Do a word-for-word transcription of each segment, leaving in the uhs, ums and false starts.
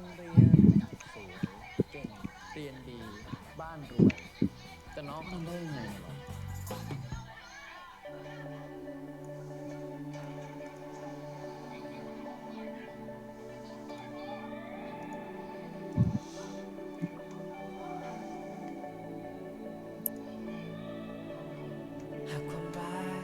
รงเรียนสวยเก่งเรียนดีบ้านรวยแต่น้องทำได้ยังไงเหรอหากความรัก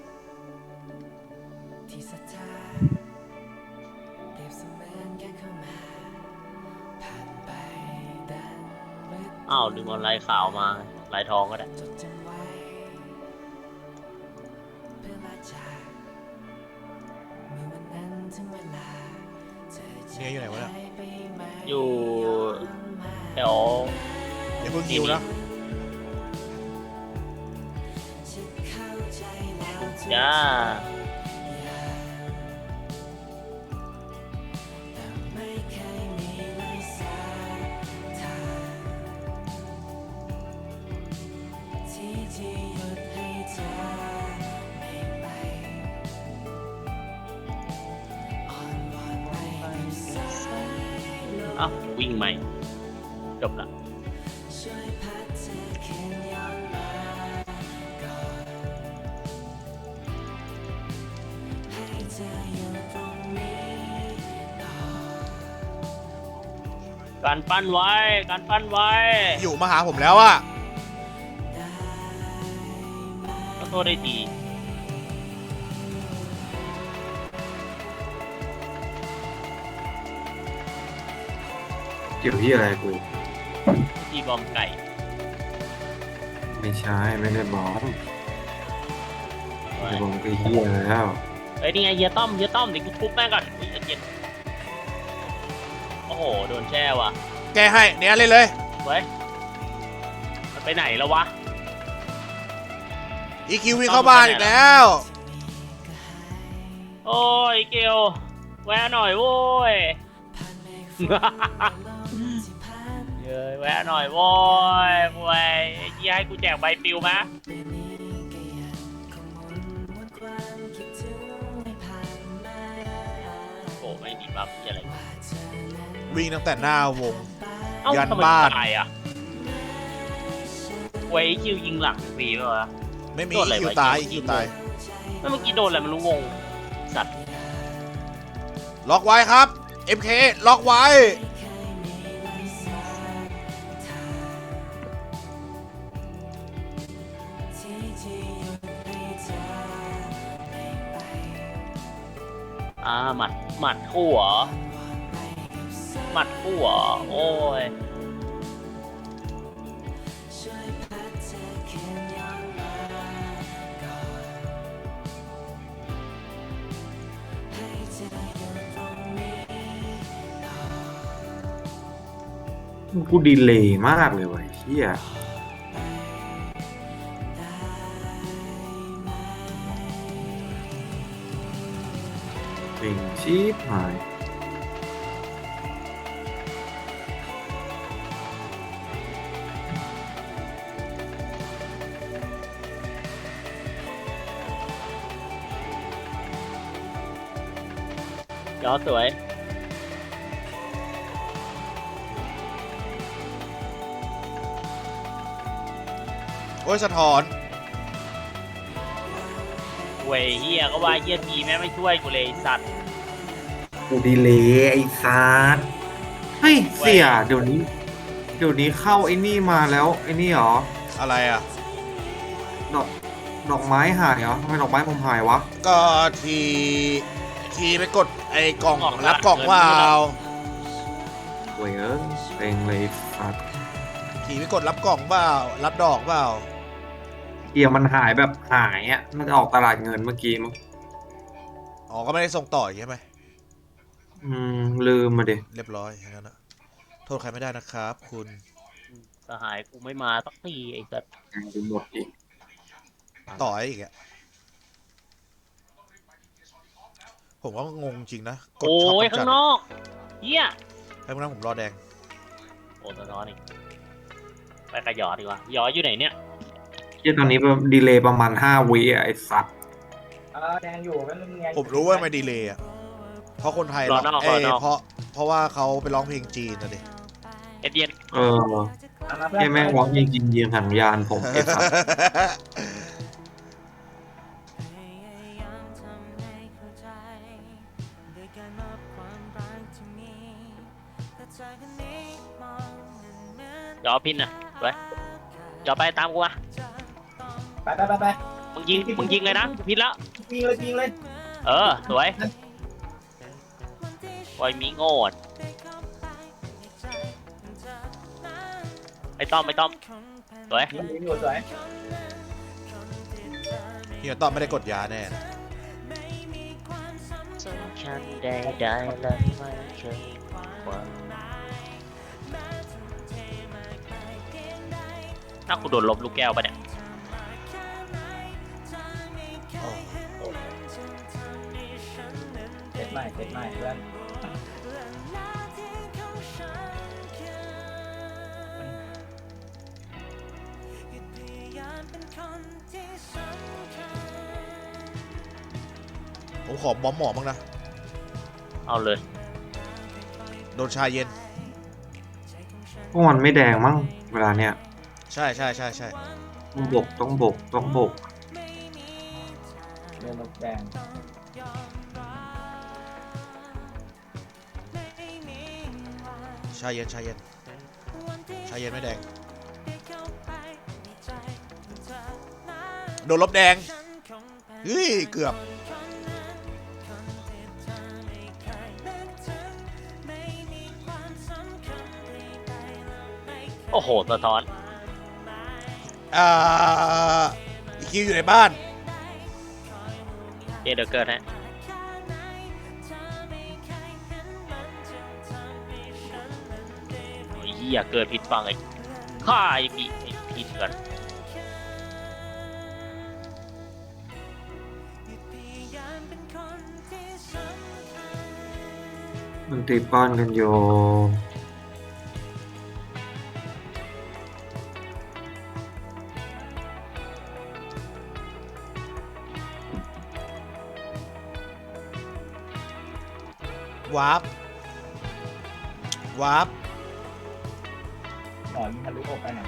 ที่ศรัทธาเปรียบเสมือนแค่เข้ามาผ่านไปดังฤดูอ้าวลืมเอาลายขาวมาลายทองก็ได้จดจำไว้เพื่อลาจากเมื่อวันนั้นถึงเวลาเธอจะเนี่ยอยู่ไหนวะเนี่ยหายไปไหมอยู่แถวอย่าเพิ่งคิวนะฉันเข้าใจแล้วทุกจ้าแต่ไม่เคยมีเลยสักทางที่จะหยุดให้เธอไม่ไปอ่อนวอนไปกับสายลมเอ้าวิ่งไหมจบละช่วยพัดเธอคืนย้อนมาก่อนให้เธออยู่ตรงนี้ต่อการปั้นไว้การปั้นไว้อยู่มาหาผมแล้วอะก็โทษได้ดีเกี่ยวที่อะไรกูที่บอมไก่ไม่ใช่ไม่ได้บอกไม่บอกไปเฮียแล้วเฮ้ยนี่ไงเฮียต้อมเฮียต้อมเดี๋ยวกูทุบแม่งก่อนอุ๊ยเย็นโอ้โหโดนแช่ว่ะแกให้เนี่ยเล่นเลยเว้ยมันไปไหนแล้ววะอีคิววิ่งเข้าบ้านอีกแล้วโอ้ยเกลแวะหน่อยโว้ย เย้ยแวะหน่อยโว้ยโว้ยยี่ให้กูแจกใบปลิวมะโอ้ไม่ดีบัฟอะไรวิ่งตั้งแต่หน้าวงเอ้ายันทำไมบ้านตายอ่ะเว้ยคิวยิงหลังฟรีป่ะวะไม่มีโดนอะไรอีคิววะตายยิอีงคิวตายแล้วเมื่อกี้โดนอะไรไม่รู้งงสัตว์ล็อกไว้ครับ เอ็ม เค ล็อกไว้อ่าหมัดหมัดคู่เหรอหมัดคู่เหรอโอ้ยกูดีเลย์มากเลยว่ะเฮียเป็นชีพหายยอดสวยโอ้ยสะท้อนเว้ยเฮียก็ว่าเฮียทีแม่ไม่ช่วยกูเลยไอ้สัตว์กูดีเลย์ไอ้ซาร์เฮ้ยเสี่ยเดี๋ยวนี้ เดี๋ยวนี้เข้าไอ้นี่มาแล้วไอ้นี่เหรออะไรอ่ะดอกดอกไม้หายเหรอทำไมดอกไม้ผมหายวะก็ทีทีไปกดไอ้กล่องรับกล่องว่าเอาโว้ยเออเต็งเลยสัตว์ทีไปกดรับกล่องเปล่ารับดอกเปล่าเกียร์มันหายแบบหายอ่ะมันจะออกตลาดเงินเมื่อกี้มั้งอ๋อก็ไม่ได้ส่งต่อใช่ไหมอืมลืมมาดิเรียบร้อยอย่างนั้นนะโทษใครไม่ได้นะครับ คุณสหายกูไม่มาสักทีไอ้สัตว์ดูหมดอีกต่ออีกอะผมก็งงจริงนะกดโอ้ช็อปยกำจัข้าดงนอกเฮียให้พวกนั้นผมรอแดงโอ้สะท้อนอีกไปกระหยอดดีกว่าหยออยู่ไหนเนี่ยเกียร์ตอนนี้ดีเลย์ประมาณห้าวิอ่ะไอ้สัตว์เออแดงอยู่ก็เรื่องไงผมรู้ว่าไม่ดีเลยอะเพราะคนไทยรอร้องนอกเอ้ยรอนอกเพราะเพราะว่าเขาไปร้องเพลงจีนนะดิเอ็ดเย็นเออแค่แม่งร้องเพลงจีนเยียงสัญญาณผมไอ้สัสเดี๋ยวเอาพินนะไปเดี๋ยวไปตามกูมาไปไปไปไปมึงยิงมึงยิงเลยนะพินแล้วยิงเลยยิงเลยเออสวยไว้มีโง่อะไม่ต้อมไม่ต้อมสวยยิงยิงอยู่สวยเฮียต้อมไม่ได้กดยาแน่นะสำคัญใดๆและไม่เคยว่าถ้ากูโดนลบลูกแก้วไปะเนี่ยโอ้เจ็ดใหม่เจ็ดใหม่เพื่อนผมขอบอมหมอบ้างนะเอาเลยโดนชาเย็นพวกมันไม่แดงมั้งเวลาเนี้ยใช่ใช่ใช่ใช่ต้องบกต้องบกต้องบกเรือรถแดงชาเย็นชาเย็นชาเย็นไม่แดง โดนลบแดง เฮ้ย เกือบโอ้โหสะท้อนอ่าอีคิวอยู่ในบ้านเอเดอร์เกิร์ฮะโอ้ยเหี้ยเกิดผิดฟังไอ้ฆ่าไอ้พี่ไอ้ผิดกันมันตีป้อนกันอยู่วาร์ปวาร์ปหมอยิงทะลุอกไปไหน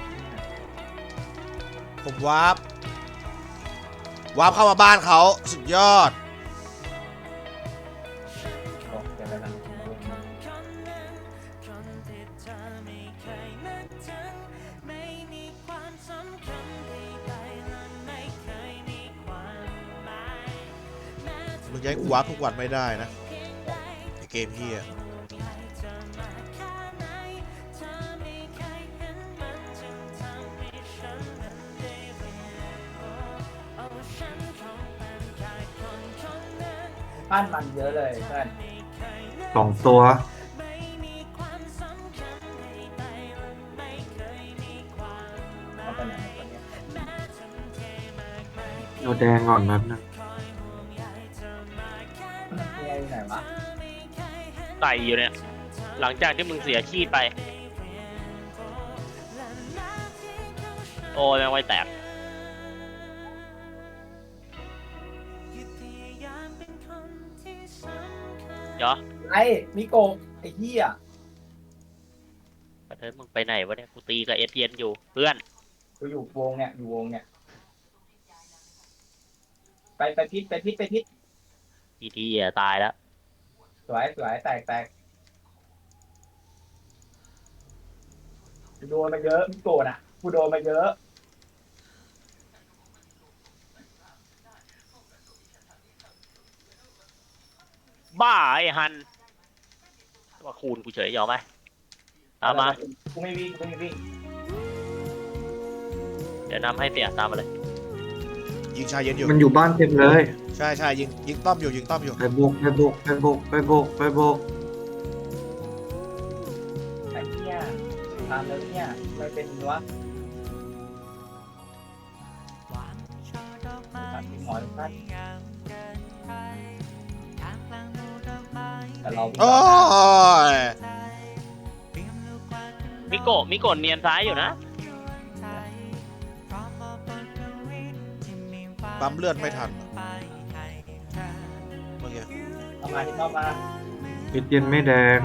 ผมวาร์ปวาร์ปเข้ามาบ้านเขาสุดยอดโอ้เดี๋ยวไปทางมึงจะให้กูวาร์ปทุกวันไม่ได้นะไอเกมเฮียบ้านมันเยอะเลยเพื่อนสองตัวเอาไปไหนหมดวะเนี่ยเราแดงก่อนนั้นนะเมียอยู่ไหนวะไต่อยู่เนี่ย หลังจากที่มึงเสียชีพไป โอ้ยแม่งไว้แตก เดี๋ยวไอ้มิโกะไอ้เหี้ยประเทศมึงไปไหนวะเนี่ย กูตีกับเอสเย็นอยู่ เพื่อนกูอยู่วงเนี่ยอยู่วงเนี่ยไปไปพิษไปพิษไปพิษทีทีอ่ะตายแล้วสวยสวยแตกแตกกูโดนมาเยอะมิโกะน่ะกูโดนมาเยอะบ้าไอ้ฮันว่าคูณกูเฉยยอมไหมตามมากูไม่วิ่งกูไม่วิ่งเดี๋ยวนำให้เสียตามมาเลยยิงชาเย็นอยู่มันอยู่บ้านเต็มเลยใช่ใช่ยิงยิงต้อมอยู่ยิงต้อมอยู่ไปบกไปบกไปบกไปบกไปบกไอ้เหี้ยตามแล้วเนี่ยไม่เป็นวะตัดที่หมอทุกท่านแต่เราโอ้ยมิโกะมิโกะเนียนซ้ายอยู่นะปั๊มเลือดไม่ทันเมื่อกี้เเอามาที่นอกมาเอ็ดเย็นไม่แดง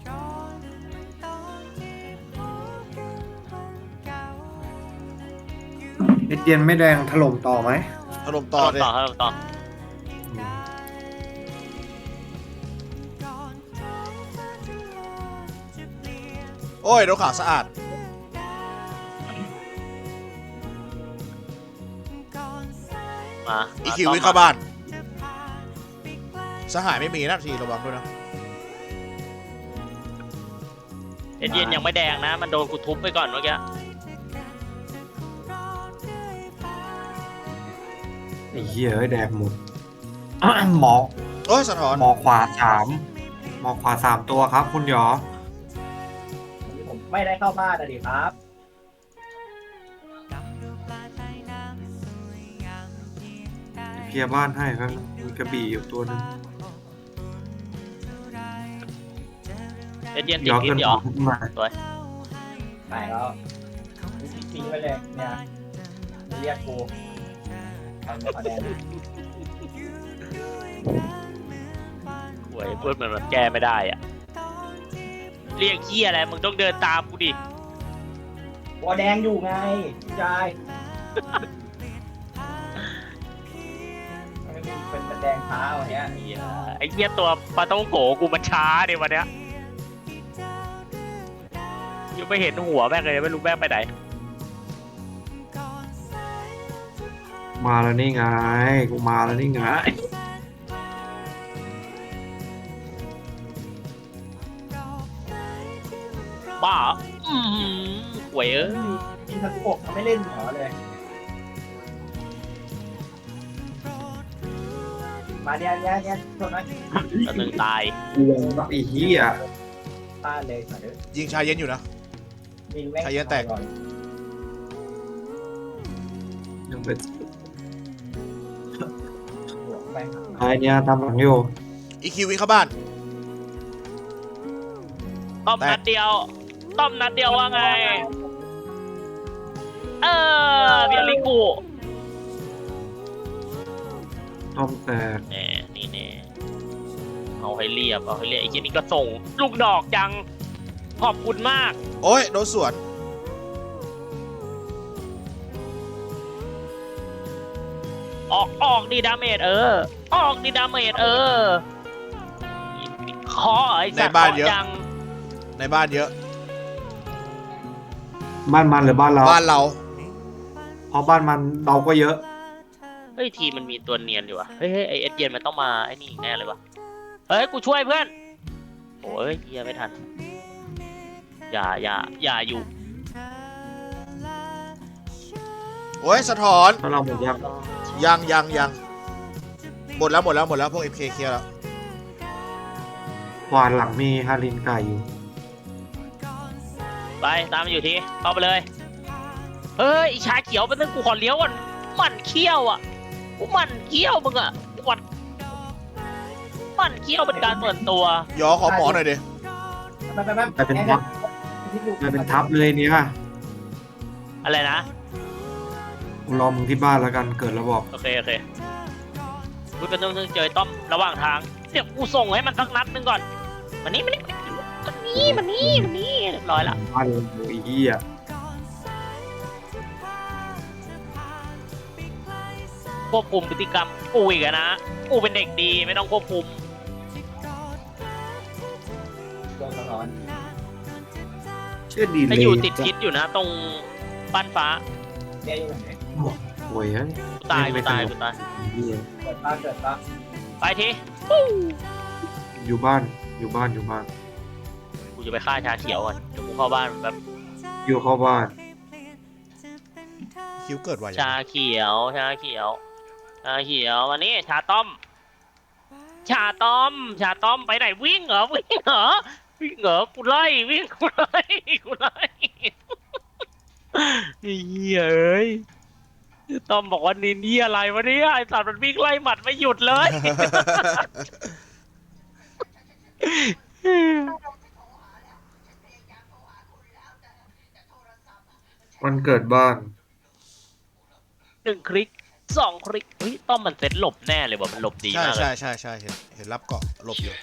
เอ็ดเย็นไม่แดงถล่มต่อไหมถล่มต่อเลยต่อต่อโอ้ยรถขาวสะอาดมาอีคิววิ่งเข้าบ้าน สหายไม่มีนะทีระวังด้วยนะเอ็ดเย็นยังไม่แดงนะ มันโดนกูทุบไปก่อนเมื่อกี้ไอ้เหี้ยเอ้ยแดงหมด หมอโอ้ยสะท้อนหมอขวาสามหมอขวาสามตัวครับ คุณหยอผมไม่ได้เข้าบ้านนะดิครับเคลียร์บ้านให้ครับมีกระบี่อยู่ตัวหนึงเอ็ดเย็นติหยดอพิษเกินเหรขอองขึ้นมาสวยไปแล้วทิ้งไว้เลยเนี่ยเรียกกูทำคะแนนหวยพูดเหมือนมันแก้ไม่ได้อะเรียกเหี้ยอะไรมึงต้องเดินตามกูดิวอแดงอยู่ไงพี่ชายมันเป็นแดงเท้าเนี้ยเหี้ยไอ้เหี้ยตัวปลาต้องโกกูมันช้าดิวันเนี้ยยังไม่เห็นหัวแม่งเลยไม่รู้แม่งไปไหนมาแล้วนี่ไงกูมาแล้วนี่ไงบ้าอืมหวยเอ้ยกินทักุโกะเขาไม่เล่นหมอเลย มาเนี่ยเนี่ยเนี่ยชนนะตัวหนึ่งตายกูลงแบบไอ้เหี้ยต้านเลยมาเด้อยิงชายเย็นอยู่นะยิงแม่งใครจะแตกก่อนยังเป็นหัวแม่งไอ้เนี่ยทำหลังอยู่อีคิววิ่งเข้าบ้านต้อมนัดเดียว ต้อมนัดเดียวว่าไง เออเบียริกูต้อมแตกแน่นี่แน่เอาให้เรียบ เอาให้เรียบไอ้เจนี่ก็ส่ง ลูกดอกจัง ขอบคุณมากโอ้ยโดนสวนออกออกดีดาเมจเออ ออกดีดาเมจเออขอไอ้สัตว์ในบ้านเยอะจังในบ้านเยอะบ้านมันหรือบ้านเราบ้านเราเพราะบ้านมันเราก็เยอะเฮ้ยทีมมันมีตัวเนียนอยู่วะเฮ้ยเฮ้ยไอเอ็ดเย็นมันต้องมาไอ้นี่อีกแน่เลยวะเฮ้ยกูช่วยเพื่อนโอ้ยเฮียไม่ทัน อย่าอย่าอย่าอยู่โอ้ยสะท้อนถ้าเราหมดยังยังยังยังหมดแล้วหมดแล้วหมดแล้วพวก เอ็ม เค เคลียร์แล้วหวานหลังมีฮารินไก่อยู่ไปตามมาอยู่ทีเข้าไปเลยเฮ้ยไอ้ชาเขียวเป็นเรื่องกูขอเลี้ยวก่อนหมันเขี้ยวอ่ะกูหมันเขี้ยวมึงอ่ะวัดหมันเขี้ยวเป็นการส่วนตัวยอขอหมอหน่อยดิไปไปไปไปเป็นทัพไปเป็นทัพเลยเนี่ยอะไรนะกูรอมึงที่บ้านแล้วกันเกิดแล้วบอกโอเคโอเคกูเป็นต้องเจอต้อมระหว่างทางเดี๋ยวกูส่งให้มันสักนัดหนึงก่อนมันนี่มันนี่มันนี่มันนี่มันนี่เรียบร้อยละบ้านเราไอ้เหี้ยควบคุมพฤติกรรมกูอีกอะนะกูเป็นเด็กดีไม่ต้องควบคุมโดนสะท้อนเชื่อดีเลถ้าย อยู่ติดพิษอยู่นะตรงบ้านฟ้าเนี่ยอยู่ไหนโวยเฮ้ยกูตายกูตายกูตายเหี้ยเกิดป้าเกิดป้าไปทีอยู่บ้านอยู่บ้านอยู่บ้านกูจะไปฆ่าชาเขียวก่อนเดี๋ยวกูเข้าบ้านแบบอยู่เข้าบ้านคิวเกิดไวชาเขียวชาเขียวชาเขียววันนี้ชาต้อม ชาต้อม ชาต้อมไปไหนวิ่งเหรอวิ่งเหรอวิ่งเหรอกูไล่วิ่งกูไล่กูไล่ไอ้เหี้ยเอ้ยต้อมบอกว่านี่นี่อะไรวะเนี่ยไอ้สัตว์มันวิ่งไล่หมัดไม่หยุดเลยวันเกิดบ้านหนึ่งคลิกสองคลิกเฮ้ยต้อมมันเซ็ตหลบแน่เลยว่ะมันหลบดีใช่มากเลใช่ยใช่ใช่เห็นเห็นรับเกาะหลบอยู่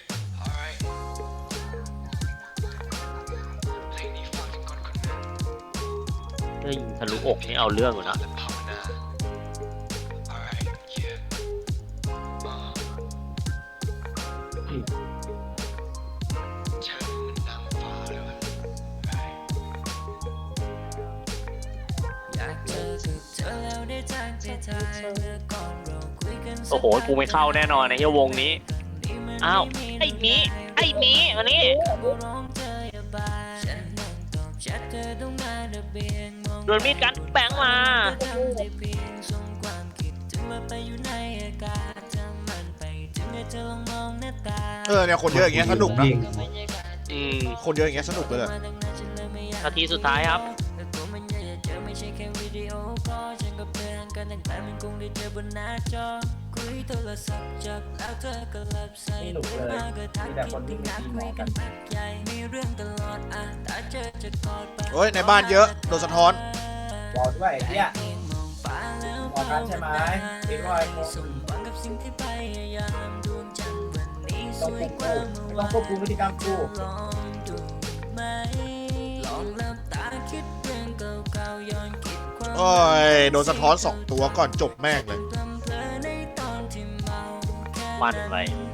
เฮ้ยทะลุอกนี่เอาเรื่องอยู่นะโอ้โหกูไม่เข้าแน่นอนในเฮียวงนี้อ้าวไอ้หมีไอ้หมีมานี่โดนมีดกันแบงมาเออเนี่ยคนเยอะอย่างเงี้ยสนุกนะอืมคนเยอะอย่างเงี้ยสนุกเลยอะนาทีสุดท้ายครับไม่หนุกเลยมีแต่คนที่มีหมอกันโอ้ยในบ้านเยอะโดนสะท้อนวอลด้วยไอ้เหี้ยหมอกันใช่ไหมเอ็กซ์ไวท์ต้องควบคุมต้องควบคุมพฤติกรรมกูโอ้ยโดนสะท้อนสองตัวก่อนจบแม่งเลยมันไป